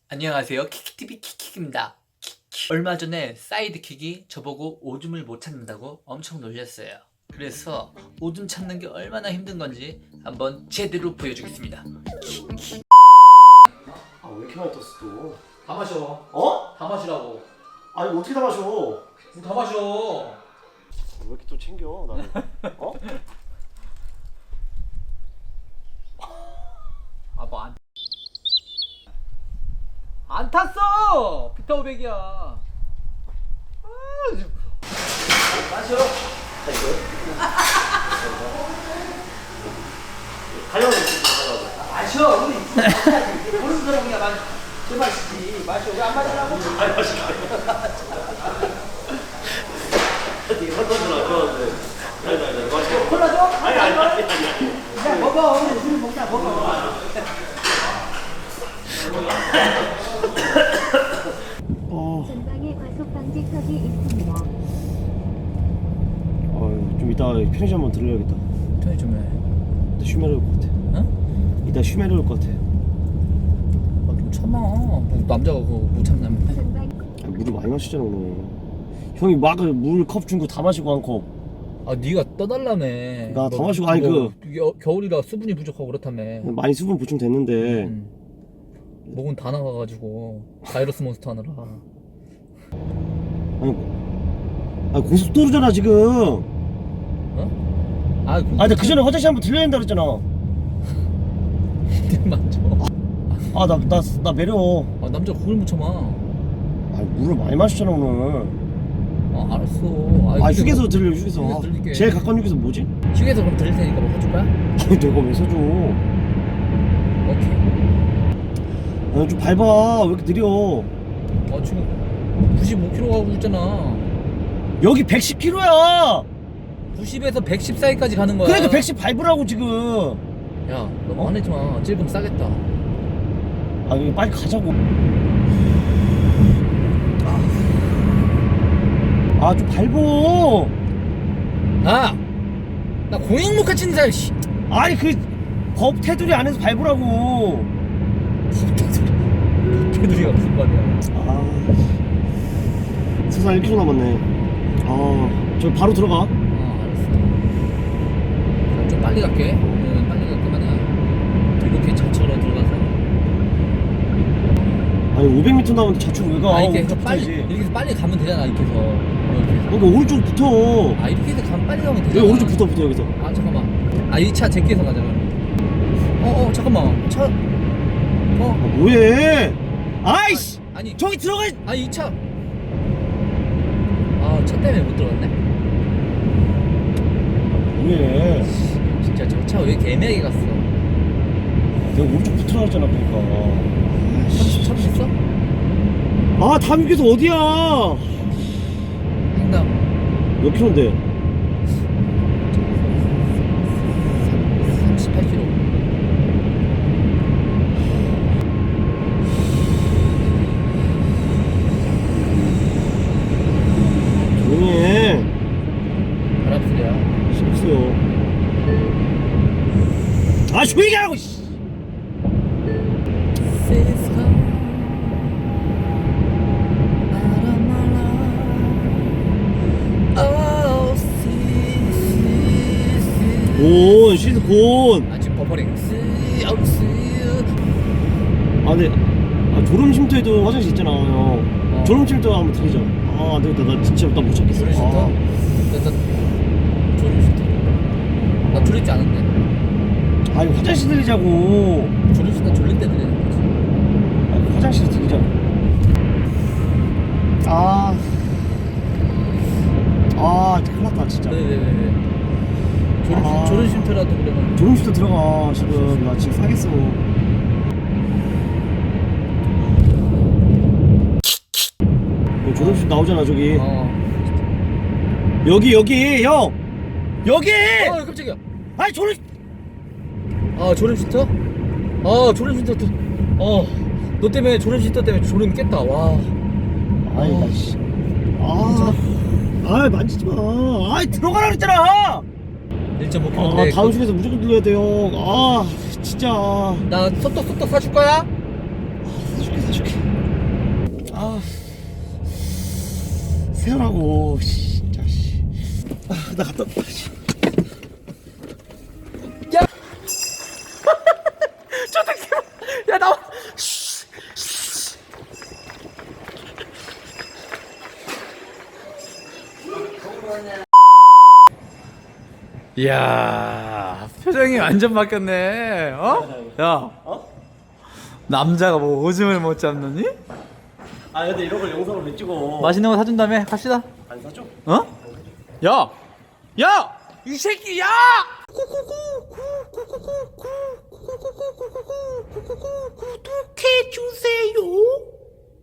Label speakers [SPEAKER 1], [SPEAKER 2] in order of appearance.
[SPEAKER 1] 안녕하세요. 키키TV 키키입니다. 얼마 전에 사이드킥이 저보고 오줌을 못 찾는다고 엄청 놀렸어요. 그래서 오줌 찾는 게 얼마나 힘든 건지 한번 제대로 보여주겠습니다.
[SPEAKER 2] 아, 왜 이렇게 많이 떴어 또?
[SPEAKER 1] 다 마셔.
[SPEAKER 2] 어?
[SPEAKER 1] 다 마시라고.
[SPEAKER 2] 아니 어떻게 다 마셔?
[SPEAKER 1] 다 마셔.
[SPEAKER 2] 왜 이렇게 또 챙겨 나를? 어?
[SPEAKER 1] 아, 뭐 안 탔어. 피터 500이야. 마셔.
[SPEAKER 2] 가려고
[SPEAKER 1] 마셔. 우리 모르는 사람이야. 제 마시지. 마셔. 왜 안 마시라고?
[SPEAKER 2] 아니 마시게. 되게 선선을 안 좋아하는데. 아니 마시게.
[SPEAKER 1] 콜라 줘?
[SPEAKER 2] 아니.
[SPEAKER 1] 야, 먹어. 우리 술 먹자. 먹어.
[SPEAKER 3] 전방에 과속 방지턱이 있습니다.
[SPEAKER 2] 좀 이따 편의점 한번 들러야겠다.
[SPEAKER 1] 편의점에.
[SPEAKER 2] 이따 쉬메려 올 것 같아.
[SPEAKER 1] 응?
[SPEAKER 2] 이따 쉬메려 올 것 같아.
[SPEAKER 1] 좀 참아. 남자가 그거 못 참냐면.
[SPEAKER 3] 전방
[SPEAKER 2] 물을 많이 마시잖아 오늘. 형이 막 물 컵 준 거 다 마시고 한 컵.
[SPEAKER 1] 아, 네가 떠달라며.
[SPEAKER 2] 나 다 마시고 아니
[SPEAKER 1] 겨울이라 수분이 부족하고 그렇다며.
[SPEAKER 2] 많이 수분 보충 됐는데.
[SPEAKER 1] 목은 다 나가가지고 바이러스 몬스터 하느라.
[SPEAKER 2] 아니 고속도로잖아 지금.
[SPEAKER 1] 어? 아,
[SPEAKER 2] 나 그 전에 화장실 한번 들려야 된다 그랬잖아.
[SPEAKER 1] 맞죠.
[SPEAKER 2] 나 매려.
[SPEAKER 1] 아, 남자 그걸 못 참아.
[SPEAKER 2] 물을 많이 마셨잖아 오늘.
[SPEAKER 1] 아, 알았어.
[SPEAKER 2] 휴게소 들려 휴게소.
[SPEAKER 1] 휴게소 들릴게.
[SPEAKER 2] 제일 가까운 휴게소 뭐지?
[SPEAKER 1] 휴게소 그럼 들릴 테니까 뭐 사줄 거야?
[SPEAKER 2] 아니 내가 왜 사줘?
[SPEAKER 1] 오케이.
[SPEAKER 2] 좀 밟아. 왜 이렇게 느려?
[SPEAKER 1] 아, 지금 95km 가고 있잖아.
[SPEAKER 2] 여기 110km야.
[SPEAKER 1] 90에서 110 사이까지 가는 거야.
[SPEAKER 2] 그러니까 110 밟으라고 지금.
[SPEAKER 1] 야, 너무 화내지 마. 찔끔 싸겠다.
[SPEAKER 2] 여기 빨리 가자고. 좀 밟어.
[SPEAKER 1] 나 공익목화 치는 사람. 씨.
[SPEAKER 2] 아니 법 테두리 안에서 밟으라고.
[SPEAKER 1] 걔들이가 무슨 말이야.
[SPEAKER 2] 세상 1km 남았네. 저 바로 들어가.
[SPEAKER 1] 알았어. 그럼 좀 빨리 갈게. 빨리 갈 거면은 이렇게 좌측으로 들어가서.
[SPEAKER 2] 아니 500m 남았는데 좌측 왜 가?
[SPEAKER 1] 이렇게 해서
[SPEAKER 2] 오른쪽
[SPEAKER 1] 빨리
[SPEAKER 2] 붙어야지.
[SPEAKER 1] 이렇게 해서 빨리 가면 되잖아. 이렇게 해서. 이렇게 해서.
[SPEAKER 2] 그러니까 오른쪽 붙어.
[SPEAKER 1] 이렇게 해서 가면 빨리 가면
[SPEAKER 2] 여기
[SPEAKER 1] 되잖아.
[SPEAKER 2] 오른쪽 붙어 여기서.
[SPEAKER 1] 잠깐만. 이 차 제끼해서 가자. 잠깐만. 차.
[SPEAKER 2] 뭐해? 아이씨.
[SPEAKER 1] 아니.
[SPEAKER 2] 저기 들어가.
[SPEAKER 1] 이 차. 차 때문에 못 들어갔네.
[SPEAKER 2] 뭐해?
[SPEAKER 1] 진짜 저 차 왜 이렇게 애매하게 갔어?
[SPEAKER 2] 내가 오른쪽 붙으라 했잖아 그러니까.
[SPEAKER 1] 차 있어?
[SPEAKER 2] 다음 휴게소 어디야?
[SPEAKER 1] 횡단
[SPEAKER 2] 몇 킬로인데?
[SPEAKER 1] 38km.
[SPEAKER 2] 조용히 해.
[SPEAKER 1] 바람 소리야.
[SPEAKER 2] 싫었어요. 조용히 하라고. 씨. 곤 시드 곤.
[SPEAKER 1] 지금 버퍼링.
[SPEAKER 2] 근데 졸음 쉼터에도 화장실 있잖아 형. 졸음 쉼터 한번 들리자. 안 되겠다. 나 진짜 못 찾겠어.
[SPEAKER 1] 졸음 쉼터? 졸음 쉼터. 나 졸립지 않은데.
[SPEAKER 2] 화장실 들리자고.
[SPEAKER 1] 졸음 쉼터 졸릴 때 들리는 거지.
[SPEAKER 2] 화장실 들리자고. 큰일 났다 진짜.
[SPEAKER 1] 왜. 졸음 쉼터라도 그러면.
[SPEAKER 2] 졸음 쉼터 들어가 지금. 나 지금 싸겠어. 졸음 쉼터 나오잖아 저기. 여기 형. 여기.
[SPEAKER 1] 깜짝이야.
[SPEAKER 2] 졸음.
[SPEAKER 1] 졸음 쉼터? 졸음 쉼터. 너 때문에 졸음 쉼터 때문에 졸음 깼다. 와.
[SPEAKER 2] 나 씨. 만지지 마. 들어가라 그랬잖아.
[SPEAKER 1] 1.5km.
[SPEAKER 2] 다음 중에서 무조건 들려야 돼요. 진짜.
[SPEAKER 1] 나 소떡 사줄 거야?
[SPEAKER 2] 사줄게. 세우라고. 진짜 씨. 나 갔다 왔다. 씨.
[SPEAKER 1] 저 새끼 야 나와. 이야 표정이 완전 바뀌었네. 어? 야 남자가 뭐 오줌을 못 잡느니?
[SPEAKER 2] 아 근데 이런 걸 영상으로 왜 찍어?
[SPEAKER 1] 맛있는 거 사준다며 갑시다.
[SPEAKER 2] 안 사줘?
[SPEAKER 1] 어? 야! 야! 이 새끼 야! 구독해 주세요.